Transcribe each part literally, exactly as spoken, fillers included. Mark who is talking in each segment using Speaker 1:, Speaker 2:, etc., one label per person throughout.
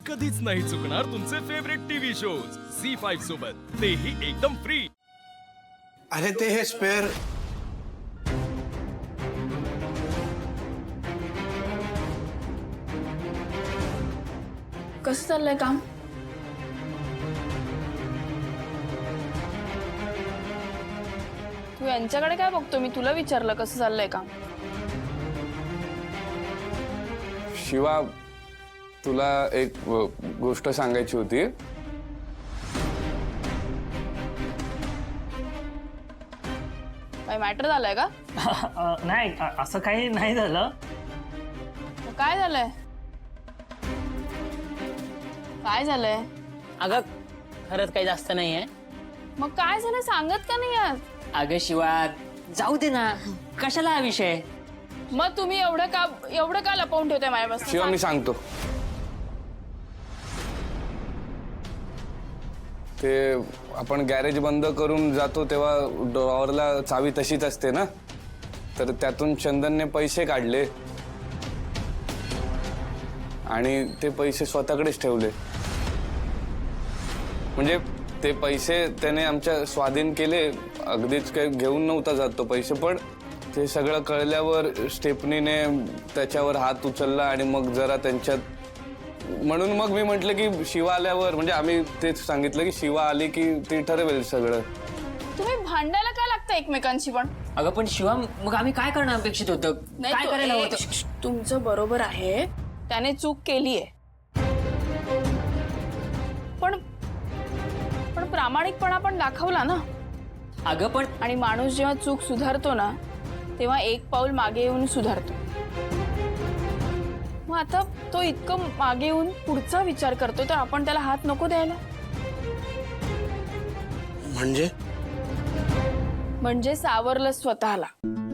Speaker 1: कधीच नाही चुकणार तुमचे favourite TV shows C five सोबत, तेही एकदम फ्री।
Speaker 2: अरे ते हे स्पेअर
Speaker 3: कसं चाललंय काम? तू यांच्याकडे काय बघतो? मी तुला विचारलं कसं चाललंय काम।
Speaker 4: शिवा, तुला एक गोष्ट सांगायची होती।
Speaker 3: काय मॅटर झालंय का?
Speaker 5: नाही, असं काही नाही झालं।
Speaker 3: काय झालंय? काय झालंय?
Speaker 6: अगं खरंच काही जास्त नाहीये।
Speaker 3: मग काय झालं सांगत का नाही आज?
Speaker 6: अगं शिवा, जाऊ दे ना, कशाला हा विषय?
Speaker 3: मग तुम्ही एवढं का एवढं का लपवून ठेवताय माझ्यापासून?
Speaker 4: शिवा, मी सांगतो। ते आपण गॅरेज बंद करून जातो तेव्हा ड्रॉवरला चावी तशीच असते ना, तर त्यातून चंदनने पैसे काढले आणि ते पैसे स्वतःकडेच ठेवले। म्हणजे ते पैसे त्याने आमच्या स्वाधीन केले, अगदीच काही घेऊन नव्हता जात तो पैसे, पण ते सगळं कळल्यावर स्टेफनीने त्याच्यावर हात उचलला आणि मग जरा त्यांच्यात, म्हणून मग मी म्हटलं की शिवा आल्यावर, म्हणजे आम्ही तेच सांगितलं की शिवा आली की ती ठरवेल सगळं।
Speaker 3: तुम्ही भांडायला काय लागतं एकमेकांशी पण?
Speaker 6: अगं पण शिवा, मग आम्ही काय करणं अपेक्षित होतं? काय
Speaker 3: तो-
Speaker 6: करायला
Speaker 3: ए,
Speaker 6: होतं?
Speaker 3: श- श- तुमचं बरोबर आहे, त्याने चूक केलीये, पण पण प्रामाणिकपणा पण दाखवला ना।
Speaker 6: अगं पण
Speaker 3: आणि माणूस जेव्हा चूक सुधारतो ना, तेव्हा एक पाऊल मागे येऊन सुधारतो। मग आता तो इतकं मागे येऊन पुढचा विचार करतो, तर आपण त्याला हात नको द्यायला?
Speaker 2: म्हणजे
Speaker 3: म्हणजे सावरलं स्वतःला।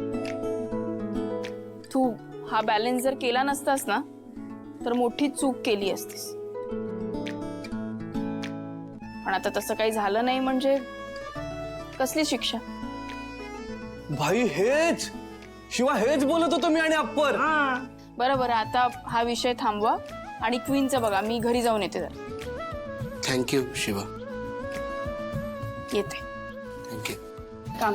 Speaker 3: तू हा बॅलन्स जर केला नसतास ना, तर मोठी चूक केली असतीस, पण आता तसं काही झालं नाही, म्हणजे कसली शिक्षा?
Speaker 4: भाई हेच शिवा, हेच बोलत होतो मी आणि अप्पर।
Speaker 3: बरं बरं, आता हा विषय थांबवा आणि क्वीनचं बघा, मी घरी जाऊन येते जरा।
Speaker 2: थँक्यू शिवा,
Speaker 3: येते।
Speaker 2: थँक्यू।
Speaker 3: काम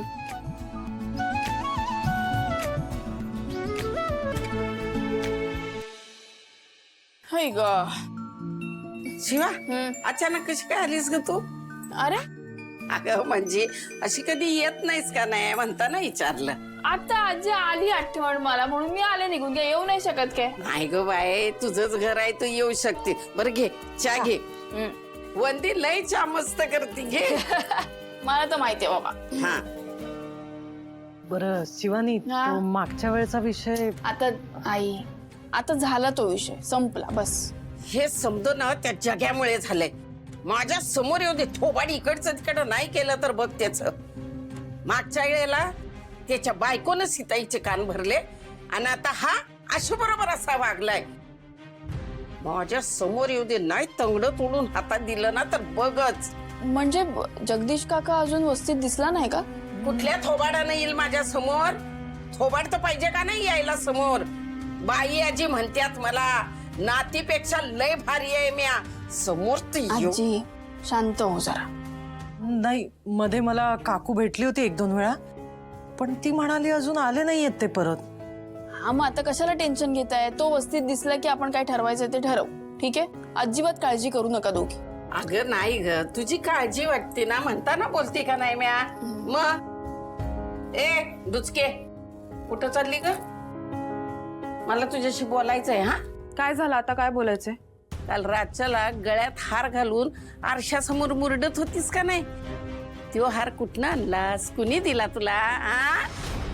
Speaker 3: हाय ग।
Speaker 7: शिवा,
Speaker 3: हम्म.
Speaker 7: अचानक कशी काय आलीस ग तू?
Speaker 3: अरे
Speaker 7: अगं म्हणजे अशी कधी येत नाहीस का? नाही म्हणताना विचारलं।
Speaker 3: आता आजी आली आठवण मला, म्हणून मी आले निघून, काय येऊ नाही शकत काय?
Speaker 7: नाही ग बाय, तुझंच घर आहे, तू येऊ शकते। बरं घे चहा घे।
Speaker 3: हम्म.
Speaker 7: वंदी लय चहा मस्त करते, घे।
Speaker 3: मला तर माहितीये बाबा।
Speaker 7: हा,
Speaker 5: बरं शिवानी,
Speaker 3: हा.
Speaker 5: तो मागच्या वेळचा विषय
Speaker 3: आता आई, आता झाला तो विषय, संपला बस।
Speaker 7: हे समजू ना, त्या जग्यामुळे झालंय। माझ्या समोर येऊ दे, थोबाड इकडचं तिकडं नाही केलं तर बघ त्याच। मागच्या वेळेला त्याच्या बायकोनं सीताईचे कान भरले आणि आता हा अशा बरोबर असा वागलाय। माझ्या समोर येऊ दे, नाही तंगडं तोडून हातात दिलं ना तर बघच।
Speaker 3: म्हणजे ब- जगदीश काका अजून वस्तीत दिसला नाही का?
Speaker 7: कुठल्या थोबाडानं येईल माझ्या समोर? थोबाड तर पाहिजे का नाही यायला समोर? बाई आजी म्हणतात मला, नातीपेक्षा लय भारी आहे म्या, समोर तर येऊ.
Speaker 3: आजी शांत हो जरा।
Speaker 5: नाही, मध्ये मला काकू भेटली होती एक दोन वेळा, पण ती म्हणाली अजून आले नाहीयेत ते परत।
Speaker 3: हा, मग आता कशाला टेन्शन घेताय? तो वस्तीत दिसला की आपण काय ठरवायचं ते ठरवू, ठीक आहे? अजिबात काळजी करू नका दोघी।
Speaker 7: अगं नाही ग, तुझी काळजी वाटते ना म्हणताना बोलते का नाही म्या? मग ए दुचके, कुठं चालली ग? मला तुझ्याशी बोलायचंय। हा,
Speaker 8: काय झालं आता? काय बोलायचंय?
Speaker 7: काल रातच्याला गळ्यात हार घालून आरशासमोर मुरडत होतीस का नाही? तो हार कुठनं आणलास? कुणी दिला तुला? आ?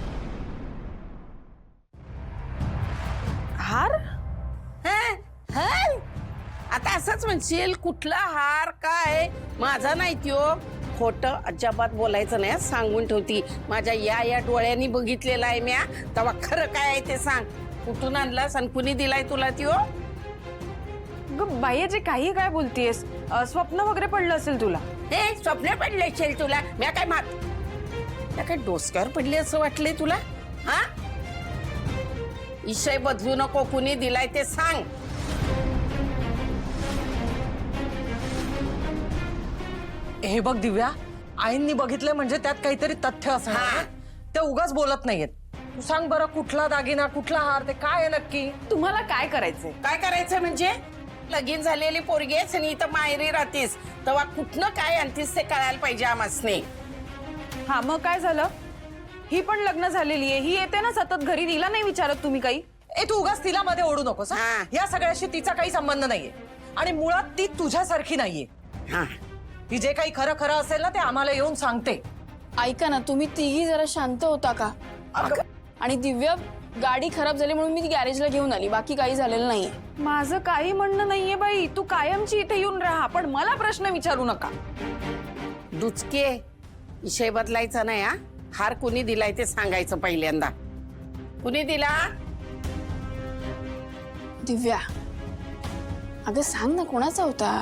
Speaker 8: हार?
Speaker 7: हं? हं? आता असंच म्हणशील, कुठला हार काय? माझा नाही त्यो। खोटं अजिबात बोलायचं नाही, सांगून ठेवती। माझ्या या या डोळ्यांनी बघितलेला आहे म्या, तेव्हा खरं काय आहे ते सांग। कुठून आणलास आणि कुणी दिलाय तुला त्यो?
Speaker 8: ग बाई, जे काही काय बोलतीयस? अ, स्वप्न वगैरे पडलं असेल तुला?
Speaker 7: हे स्वप्न पडले असेल तुला? म्या काय मात त्या काय डोसक्यावर पडले असं वाटलंय तुला? हा, विषय बदलू नको, कुणी दिलाय ते सांग।
Speaker 5: हे बघ दिव्या, आईंनी बघितलंय म्हणजे त्यात काहीतरी तथ्य असणार
Speaker 7: हा.
Speaker 5: ते उगाच बोलत नाहीयेत. तू सांग बरं, कुठला दागिना कुठला हार ते काय आहे नक्की?
Speaker 8: तुम्हाला काय करायचंय?
Speaker 7: काय करायचं म्हणजे लगीन झालेली पोरगी आहेस आणि इथं माहेरी राहतीस, तेव्हा कुठनं काय आणतीस ते कळायला पाहिजे आम्हासने.
Speaker 8: हा मग काय झालं? ही पण लग्न झालेली आहे, ही येते ना सतत घरी, तिला नाही विचारत तुम्ही काही?
Speaker 5: ए तू उगाच तिला मध्ये ओढू नकोस. हा?
Speaker 7: हा.
Speaker 5: या सगळ्याशी तिचा काही संबंध नाहीये आणि मुळात ती तुझ्यासारखी नाहीये.
Speaker 7: हा
Speaker 5: ती जे काही खरं खरं असेल ना ते आम्हाला येऊन सांगते.
Speaker 3: ऐका ना, तुम्ही तिघी जरा शांत होता का? आणि दिव्या, गाडी खराब झाली म्हणून मी ती गॅरेजला घेऊन आली, बाकी काही झालेलं नाहीये.
Speaker 8: माझं काही म्हणणं नाहीये बाई, तू कायमची इथे येऊन राहा, पण मला प्रश्न विचारू नका.
Speaker 7: दुचके विषय बदलायचा नाही. हा हार कुणी दिलाय ते सांगायचं पहिल्यांदा. कुणी दिला?
Speaker 3: दिव्या, अगं सांग ना, कोणाचा होता?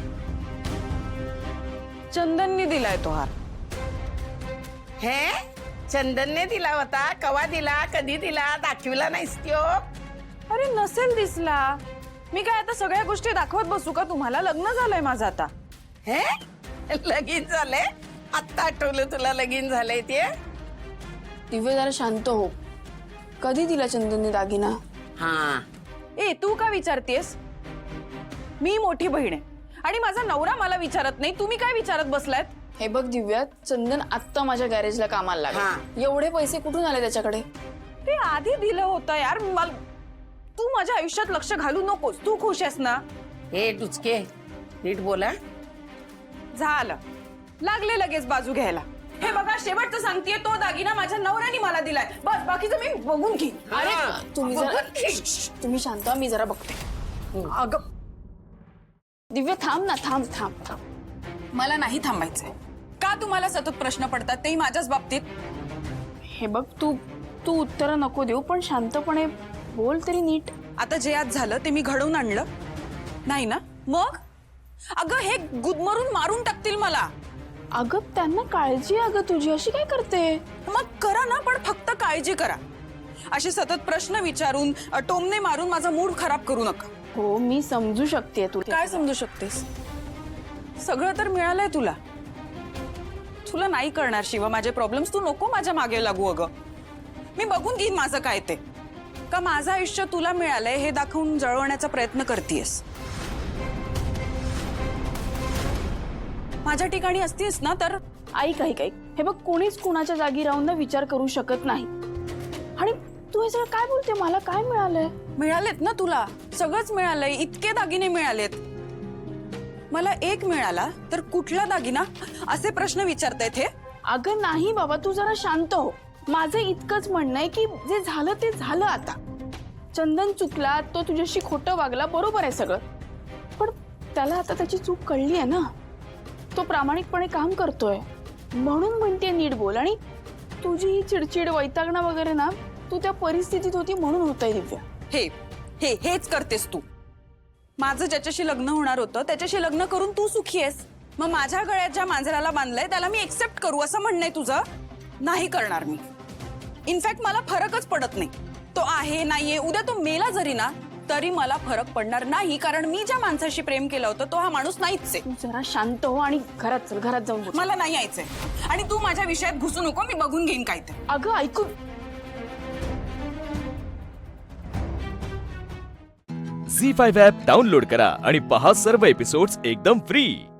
Speaker 8: चंदननी दिलाय तो हार.
Speaker 7: हे चंदनने दिला होता? कवा दिला? कधी दिला? दाखविला नाहीस त्यो?
Speaker 8: अरे नसेल दिसला. मी काय आता सगळ्या गोष्टी दाखवत बसू का तुम्हाला? लग्न झालंय माझं आता.
Speaker 7: हे लगीन झालंय? आत्ता आठवलं तुला लगीन झालंय ते?
Speaker 3: दिव्या जरा शांत हो. कधी दिला चंदनने दागिना?
Speaker 7: हा
Speaker 8: ए तू का विचारतेस? मी मोठी बहीण आहे आणि माझा नवरा मला विचारत नाही, तुम्ही काय विचारत बसलायत?
Speaker 3: हे बघ दिव्या, चंदन आत्ता माझ्या गॅरेजला कामाला
Speaker 7: हा.
Speaker 3: लागला. एवढे पैसे कुठून आले त्याच्याकडे?
Speaker 8: ते आधी दिलं होतं यार. मला तू माझ्या आयुष्यात लक्ष घालू नकोस. तू खुश आहेस ना?
Speaker 7: हे डुचके नीट बोला.
Speaker 8: झालं, लागले लगेच बाजू घ्यायला. हे बघा, शेवटचं सांगतेय, तो दागिना माझ्या नवऱ्याने मला दिलाय. बस बाकीचं मी बघून घे.
Speaker 3: अरे
Speaker 7: हा.
Speaker 3: तुम्ही जरा
Speaker 7: बघून घे.
Speaker 3: श्श, तुम्ही शांत व्हा, मी जरा बघते.
Speaker 5: अगं
Speaker 3: दिव्या थांब ना, थांब थांब थांब.
Speaker 8: मला नाही थांबायचंय. का तुम्हाला सतत प्रश्न पडतात, तेही माझ्याच बाबतीत?
Speaker 3: हे बघ, तू तू उत्तरं नको देऊ, पण शांतपणे बोल तरी नीट.
Speaker 8: आता जे आज झालं ते मी घडवून आणलं नाही ना? मग अगं हे गुदमरून मारून टाकतील मला.
Speaker 3: अगं त्यांना काळजी आहे अगं तुझी, अशी काय करते?
Speaker 8: मग करा ना, पण फक्त काळजी करा. असे सतत प्रश्न विचारून टोमणे मारून माझा मूड खराब करू नका.
Speaker 3: हो मी समजू शकते तू.
Speaker 8: काय समजू शकतेस? सगळं तर मिळालंय तुला. तुला नाही करणार शिवा माझे प्रॉब्लेम्स. तू नको माझ्या मागे लागू. अगं मी बघून घेईन माझं काय ते. का माझं आयुष्य तुला मिळालंय हे दाखवून जळवण्याचा प्रयत्न करतेस? माझ्या ठिकाणी असतीस ना तर
Speaker 3: ऐक ऐक ऐक हे बघ, कोणीच कुणाच्या जागी राहून ना विचार करू शकत नाही. आणि तू हे सगळं काय बोलते? मला काय मिळालंय?
Speaker 8: मिळालेत ना तुला, सगळंच मिळालंय. इतके दागिने मिळालेत. मला एक मिळाला तर कुठला दागिना असे प्रश्न विचारतायत हे?
Speaker 3: अगं नाही बाबा, तू जरा शांत हो. माझं इतकंच म्हणणं आहे की जे झालं ते झालं आता. चंदन चुकला, तो तुझ्याशी खोटं वागला, बरोबर आहे सगळं, पण त्याला आता त्याची चूक कळली आहे ना. तो प्रामाणिकपणे काम करतोय म्हणून म्हणते नीट बोल. आणि तुझी ही चिडचिड वैतागणं वगैरे ना, तू त्या परिस्थितीत होती म्हणून होतंय दिव्या.
Speaker 8: हे हे हेच करतेस तू. माझं ज्याच्याशी लग्न होणार होतं त्याच्याशी लग्न करून तू सुखी आहेस. मग माझ्या गळ्यात ज्या मांजराला बांधलंय त्याला मी एक्सेप्ट करू असं म्हणणं आहे तुझं? नाही करणार मी. इनफॅक्ट मला फरकच पडत नाही. तो आहे नाहीये, उद्या तो मेला जरी ना तरी मला फरक पडणार नाही, कारण मी ज्या माणसाशी प्रेम केलं होतं तो हा माणूस नाहीच आहे.
Speaker 3: तू जरा शांत हो आणि घरात चल, घरात जाऊन बोल.
Speaker 8: मला नाही यायचंय आणि तू माझ्या विषयात घुसू नको. मी बघून घेईन काय ते.
Speaker 3: अगं ऐकू.
Speaker 1: झी फाईव्ह ॲप डाउनलोड करा आणि पहा सर्व एपिसोड्स एकदम फ्री.